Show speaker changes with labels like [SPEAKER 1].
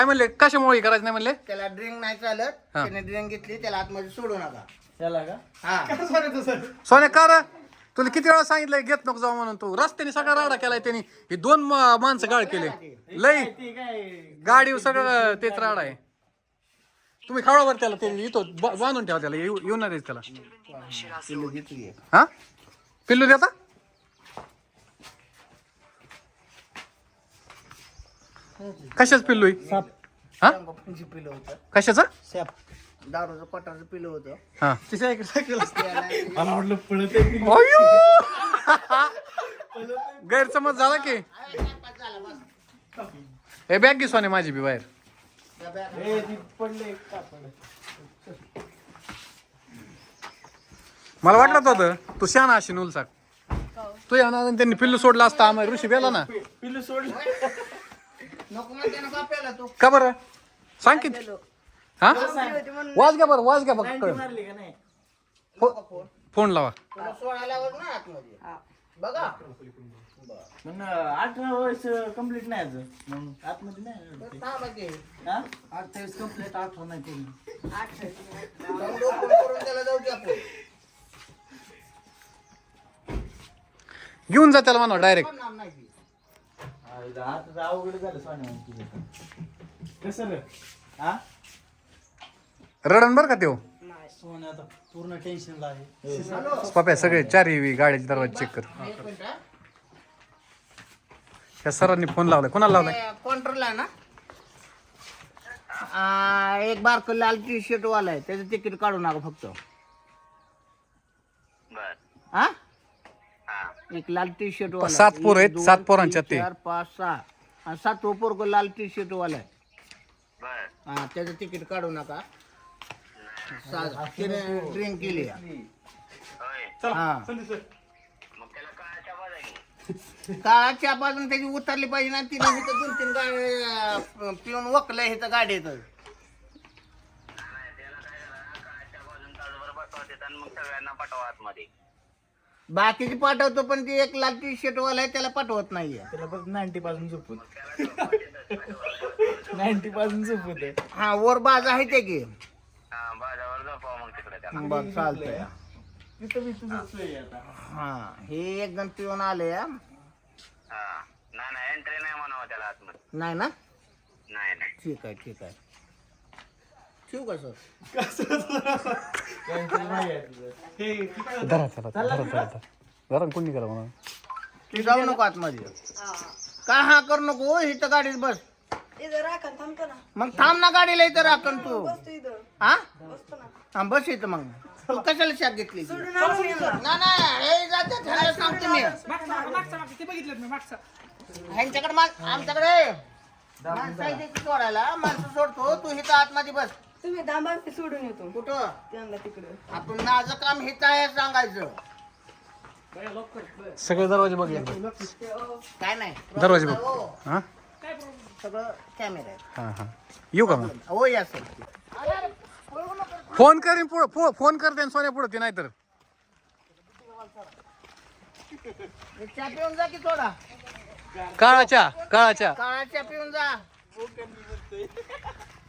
[SPEAKER 1] काय म्हणले कशामुळे करायचं नाही म्हणले?
[SPEAKER 2] त्याला ड्रिंक नाही चालत. त्याने ड्रिंक घेतली त्याला आतमध्ये सोडू नका.
[SPEAKER 3] त्याला का?
[SPEAKER 2] हा
[SPEAKER 1] सोन्या का रे? तुला किती वेळा सांगितलंय घेत नको जाऊ म्हणून. तू रस्त्याने सगळा राडा केलाय त्यांनी. हे 2 माणसं गाळ केले लई
[SPEAKER 3] ते काय
[SPEAKER 1] गाडी सगळं तेच राडा आहे. तुम्ही खावडावर त्याला ते इथं बांधून ठेवा त्याला येऊन नाही द्यायचं त्याला.
[SPEAKER 2] पिल्लू घेतली.
[SPEAKER 1] हा पिल्लू देता कशाच पिल्लू आहे? हा
[SPEAKER 2] पिल्लू होतं.
[SPEAKER 1] कशाचं?
[SPEAKER 2] सॅप दारूचं पटाचं पिल्लू होतं.
[SPEAKER 1] हा
[SPEAKER 2] त्याला
[SPEAKER 3] मला वाटलं पळत आहे.
[SPEAKER 1] गैरसमज झाला की हे बॅग घे सोने माझी बी बाहेर.
[SPEAKER 3] ए, ती पडले का पडले?
[SPEAKER 1] मला वाटलं होतं तू शहाणा अशी उलसाक. तू या ना त्यांनी पिल्लू सोडला असता आम्हाला ऋषी बेला ना.
[SPEAKER 3] पिल्लू सोडलं.
[SPEAKER 2] नको म्हणते ना बाप्याला तू.
[SPEAKER 1] का बरं सांग किती? हा वाज घ्या बरं वाज घ्या बघ.
[SPEAKER 3] मारली का नाही?
[SPEAKER 1] फोन लावा.
[SPEAKER 2] तुला सोडायला लावत ना आतमध्ये. बघा.
[SPEAKER 3] पण 18 वर्ष कंप्लीट नाही अजून. मग आतमध्ये नाही.
[SPEAKER 2] थांबा की.
[SPEAKER 3] हा? 28 कंप्लीट 18 नाही पूर्ण.
[SPEAKER 2] जाऊन फोन करून त्याला जाऊ की आपण.
[SPEAKER 1] घेऊन जा त्याला म्हणा डायरेक्ट.
[SPEAKER 2] पण नाम नाही की.
[SPEAKER 3] आता अवघड झालं सोन्या. कसं रे? हा?
[SPEAKER 1] रडण बरं का त्यो
[SPEAKER 3] सोन्या आता पूर्ण टेन्शनला आहे.
[SPEAKER 1] पप्या सगळे 4 गाडीचे दरवाजे चेक कर.
[SPEAKER 2] एक मिनिट हा.
[SPEAKER 1] या सरांनी फोन लावलाय. कोणाला लावलाय?
[SPEAKER 2] काउंटरला आहे ना एक बारक लाल टी शर्ट वाला आहे त्याचं तिकीट काढू नका फक्त. हा एक लाल टी शर्ट वाला
[SPEAKER 1] 7 पोरं आहेत, 7 पोरांच्यात ते.
[SPEAKER 2] 4 5 6 आणि 7वं पोरग लाल टी शर्ट वाला आहे. हा त्याचं तिकीट काढू नका. त्याने ड्रिंक केली. हा काळाच्या बाजून त्याची उतरली पाहिजे ना. तिने इथं 2-3 गाडी पिऊन वकलंय इथं गाडीत. बाकीची पाठवतो पण ती एक लाल टी शर्ट वाला आहे त्याला पाठवत नाहीये.
[SPEAKER 3] त्याला बघ 90 पासून झोपत. 90 पासून झोपत.
[SPEAKER 2] हा वर बाज आहे ते की बघ चालतंय.
[SPEAKER 3] तिथं मी तुझं सोय आहे आता.
[SPEAKER 2] हा हे एक जण पिऊन आले. नाही ना ठीक आहे ठीक आहे. ठेवू का सर?
[SPEAKER 3] Cancel नाही आहे तुझं.
[SPEAKER 1] धरा चला धरा कोणी करा म्हणा.
[SPEAKER 2] तू जाऊ नको आतमध्ये. काय हा करू नको इथं गाडीत बस. मग थांब ना गाडीला इथं राखण तू. हा हा बस इथं. मग तू कशाला शाक घेतली? नाही जाते ह्याला सांगतो मी. ह्यांच्याकडे आमच्याकडे माणसं आहे ते सोडायला. माणसं सोडतो तू इथं आतमध्ये बस.
[SPEAKER 4] तुम्ही दांबा सोडून येतो
[SPEAKER 2] कुठं
[SPEAKER 4] त्यांना तिकडे.
[SPEAKER 2] आपण माझं काम हित आहे सांगायचं.
[SPEAKER 1] सगळे दरवाजे बघ
[SPEAKER 2] काय नाही
[SPEAKER 1] दरवाजे बघ.
[SPEAKER 2] हो,
[SPEAKER 1] हा
[SPEAKER 2] सगळं कॅमेरा आहे.
[SPEAKER 1] हा येऊ का मग?
[SPEAKER 2] हो या सर.
[SPEAKER 1] फोन करीन फोन करते सोन्या पुढे ते नाही तर.
[SPEAKER 2] चहा पिऊन जा की थोडा.
[SPEAKER 1] काळाच्या
[SPEAKER 2] काळा चहा पिऊन जा.